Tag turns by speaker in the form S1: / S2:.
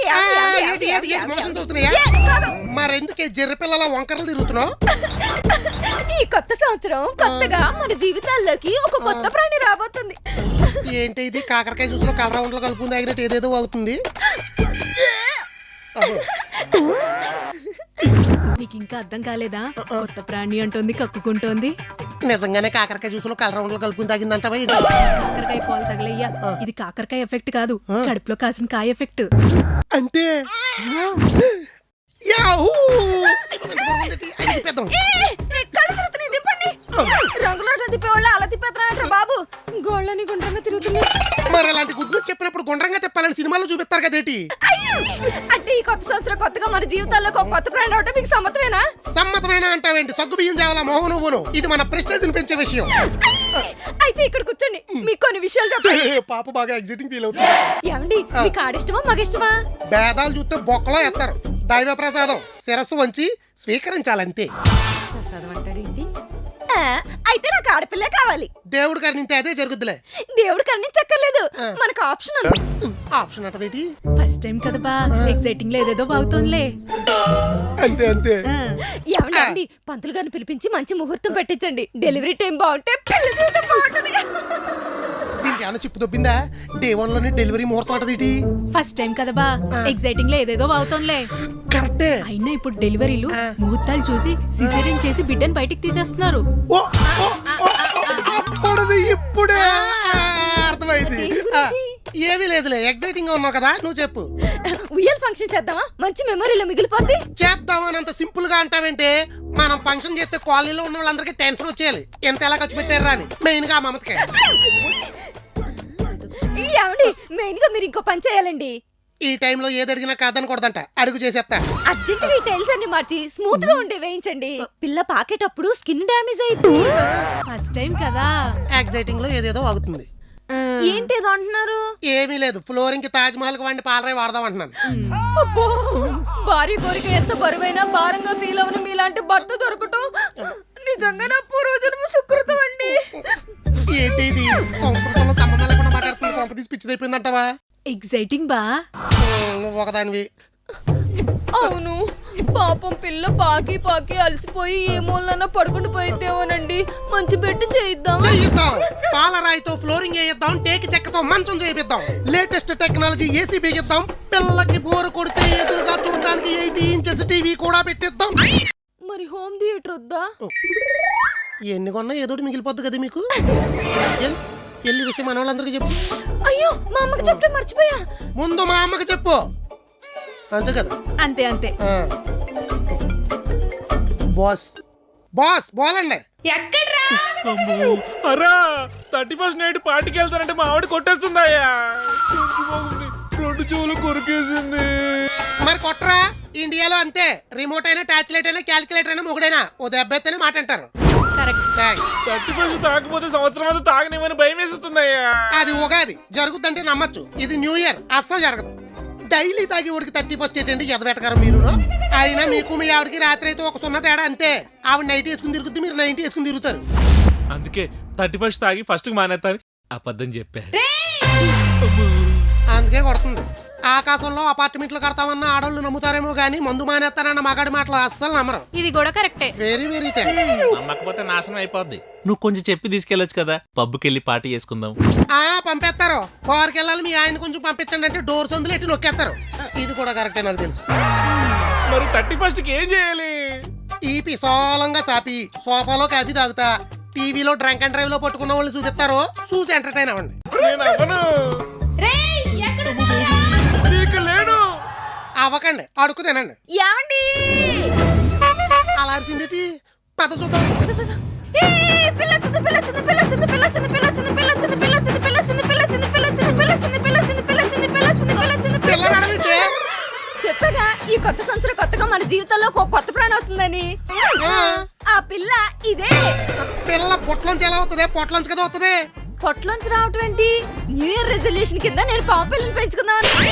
S1: మరెందుకే జర్ర పిల్లల వంకరలు తిరుగుతున్నావు?
S2: ఈ కొత్త సంవత్సరం కొత్తగా మన జీవితాల్లోకి ఒక కొత్త ప్రాణి రాబోతుంది.
S1: ఏంటి ఇది? కాకరకాయ జ్యూస్లో కలర్ రౌండ్లో కలుపుకుంది ఆగినట్టు ఏదేదో అవుతుంది.
S2: నీకు ఇంకా అర్థం కాలేదా? కొత్త ప్రాణి అంటుంది, కక్కుకుంటోంది.
S1: నిజంగానే కాకరకాయ జ్యూస్లో కలర్ రౌండ్లో కలుపుకుని తాగిందంటావా?
S2: కాకరకాయ పాలు తగలయ్యా. ఇది కాకరకాయ ఎఫెక్ట్ కాదు, కడుపులో కాసిన కాయ ఎఫెక్ట్.
S1: అంటే
S2: రంగులో తిప్పేవాళ్ళు అలా తిప్పేస్తారంటారు బాబు. గోళ్ళని గుండ్రంగా తిరుగుతున్నాయి.
S1: మరి అలాంటి గుడ్లు చెప్పినప్పుడు గుండ్రంగా తిప్పాలని సినిమాలో చూపిస్తారు కదేటి?
S2: అంటే ఈ కొత్త సంవత్సరం కొత్తగా మన జీవితాల్లో ఒక కొత్త ప్రాణి అవటం మీకు సమ్మతమేనా?
S1: సమ్మతమేనా అంటావేంటి? సగ్గు బియ్యం చేయాలా మోహన్ నువ్వును? ఇది మన ప్రెస్టేజ్ పెంచే విషయం.
S2: అయితే ఇక్కడ కూర్చోండి, మీకు కొన్ని విషయాలు చెప్పండి.
S1: పాప బాగా ఎగ్జైటింగ్ ఫీల్ అవుతుంది.
S2: ఏమండి, మీకు ఆడిష్టమా మగిష్టమా?
S1: భేదాలు చూస్తే బొక్కలో ఎత్తారు. దైవ ప్రసాదం శిరస్సు వంచి స్వీకరించాలంతే.
S2: ప్రసాదం అంటాడేంటి? అయితే నాకు ఆడపిల్లే కావాలి.
S1: దేవుడు కరుణింతే అదే జరుగుద్దులే.
S2: దేవుడు కరుణించక్కర్లేదు, మనకు ఆప్షన్ ఉంది.
S1: ఆప్షన్ అంటదేటి?
S2: ఫస్ట్ టైం కదా బా, ఎగ్జైటింగ్ లో ఏదేదో బాగుతోందిలే.
S1: అంతే అంతే.
S2: ఏమండి, పంతులు గారిని పిలిపించి మంచి ముహూర్తం పెట్టించండి. డెలివరీ టైం బాగుంటే పిల్ల జీవితం బాగుంటుంది.
S1: దీనికి ఏమన్నా చిప్పు దొబ్బిందా? డే 1 లోనే డెలివరీ ముహూర్తం అంటదేటి?
S2: ఫస్ట్ టైం కదా బా, ఎగ్జైటింగ్ లో ఏదేదో బాగుతోందిలే.
S1: కరెక్టే.
S2: అయినా ఇప్పుడు డెలివరీలు ముహూర్తాలు చూసి సిజేరియన్ చేసి బిడ్డను బయటికి తీసేస్తున్నారు.
S1: ఇప్పుడే అర్థమైంది. ఏమీ లేదులే, ఎగ్జైటింగ్ గా ఉన్నావు కదా, నువ్వు చెప్పు.
S2: ఉయ్యాల ఫంక్షన్ చేద్దామా? మంచి మెమరీలో మిగిలిపోద్ది.
S1: చేద్దామని అంత సింపుల్ గా అంటావేంటే? మనం ఫంక్షన్ చేస్తే కాలనీలో ఉన్న వాళ్ళందరికీ టెన్షన్ వచ్చేయాలి. ఎంత ఎలా ఖర్చు పెట్టారు అని. మెయిన్ గా మమతకే.
S2: ఏమండి, మెయిన్ గా మీరు ఇంకో పని చేయాలండి.
S1: ఈ టైంలో ఏది అడిగినా కాదనకూడదంట. అడుగు చేసేస్తా.
S2: అర్జెంట్ గా ఈ టైల్స్ అన్ని మార్చి స్మూత్ గా ఉండే వేయించండి. పిల్ల పాకేటప్పుడు స్కిన్ డ్యామేజ్ అయింది. ఫస్ట్ టైం కదా,
S1: ఎగ్జైటింగ్ లో ఏదేదో అవుతుంది.
S2: ఏంటేదో అంటున్నారు?
S1: ఏమీ లేదు, ఫ్లోరింగ్ కి తాజ్ మహల్ కి వండి పాలరాయి వాడదాం అంటున్నాను.
S2: అబ్బో, భార్య కోరిక ఎంత బరువైనా భారంగా ఫీల్ అవని మీలాంటి భర్త దొరకటం నిజంగా నా పూర్వజన్మ సుకృతం అండి.
S1: ఏంటి ఇది? సంస్కృతంలో సంబంధం లేకుండా మాట్లాడుతుంది. కొంప తీసి పిచ్చి అయిపోయిందంటావా?
S2: ఎగ్జైటింగ్ బా.
S1: నువ్వు ఒకదానివి.
S2: అవును, పాపం పిల్ల పాకి పాకి అలసిపోయి ఏ మూలన పడుకుంటూ పోయిద్దేమోనండి. మంచి బెడ్ చేయిద్దాం.
S1: పాలరాయితో ఫ్లోరింగ్ వేయిద్దాం, టేకి చెక్కతో మంచం చేయిద్దాం, లేటెస్ట్ టెక్నాలజీ ఏసీ బిగిద్దాం, పిల్లకి బోరు కొడితే ఎదురుగా చూడడానికి 80 ఇంచెస్ టీవీ కూడా పెట్టిద్దాం.
S2: మరి హోమ్ థియేటర్ వద్దా?
S1: ఎన్ని కొన్నా ఏదో మిగిలిపోద్ది కదా మీకు. ఎల్లి విషయం మన వాళ్ళందరికీ చెప్పు.
S2: అయ్యో, మా అమ్మకి చెప్తే మర్చిపోయా.
S1: ముందు మా అమ్మకి చెప్పు. అంతే కదా?
S2: అంతే అంతే.
S1: బాస్ బాస్ బోలండి.
S2: ఎక్కడ్రా?
S3: అరా 31st నైట్ పార్టీకి వెళ్తానంటే మా ఆవిడ కొట్టేస్తుందయ్యా. 2 చెవులు కొరికేసింది.
S1: మరి కొట్టరా? ఇండియాలో అంతే. రిమోట్ అయినా, టాచ్ లైట్ అయినా, క్యాలిక్యులేటర్ అయినా, మొగుడైనా ఓ దెబ్బెత్తనే మాట అంటారు.
S3: 31st తాగకపోతే సంవత్సరం అంతా తాగనివ్వని భయం వేస్తుందయ్యా.
S1: అది ఉగాది జరుగుతుంటే నమ్మచ్చు. ఇది న్యూ ఇయర్ అస్సలు జరగదు. డైలీ తాగి ఉడికి 31st ఏంటండి ఎదబెట్టగారు మీరు. అయినా మీకు మీ ఆవిడకి రాత్రి అయితే ఒక 0 తేడా అంతే. ఆవిడ నైట్ వేసుకుని తిరుగుద్ది, మీరు 90 వేసుకుని తిరుగుతారు.
S3: అందుకే 31st తాగి ఫస్ట్ మానేస్తారు అబద్ధం చెప్పా.
S1: అందుకే కొడుతుంది. ఆకాశంలో అపార్ట్మెంట్లు కడతామన్న ఆడోళ్ళు నమ్ముతారేమో గానీ మందు మానేస్తానన్న మగాడి మాటలు అస్సలు నమ్మరు.
S2: ఇది కూడా కరెక్టే.
S1: వెరీ వెరీ
S3: నమ్మకపోతే నాశనం అయిపోద్ది. నువ్వు కొంచెం చెప్పి తీసుకెళ్ళొచ్చు కదా, పబ్కి వెళ్ళి పార్టీ చేసుకుందాం.
S1: పంపేస్తారు. బార్కి వెళ్ళాలి, మీ ఆయన కొంచెం పంపించండి అంటే డోర్ సందులు ఎట్టి నొక్కేస్తారు. ఇది కూడా కరెక్టే, నాకు తెలుసు.
S3: మరి 31st కి ఏం చేయాలి?
S1: ఈ పిసోలంగా సాపి సోఫాలో కాఫీ తాగుతా, టీవీలో డ్రంక్ అండ్ డ్రైవ్ లో పట్టుకున్న వాళ్ళు చూపిస్తారు, చూసి ఎంటర్టైన్ అవ్వండి. అవ్వకండి, అడుగు తినండి. అలా అరిసింది పద చూద్దాం.
S2: చెప్పగా ఈ కొత్త సంవత్సరం కొత్తగా మన జీవితంలో ఒక కొత్త ప్రాణం వస్తుందని. ఆ పిల్ల ఇదే.
S1: పిల్ల పొట్లోంచి ఎలా వస్తుంది? పొట్లోంచి కదా వస్తుంది.
S2: పొట్లోంచి రావటం ఏంటి? న్యూ ఇయర్ రెజల్యూషన్ కింద నేను పాప పిల్లని పెంచుకుందామని.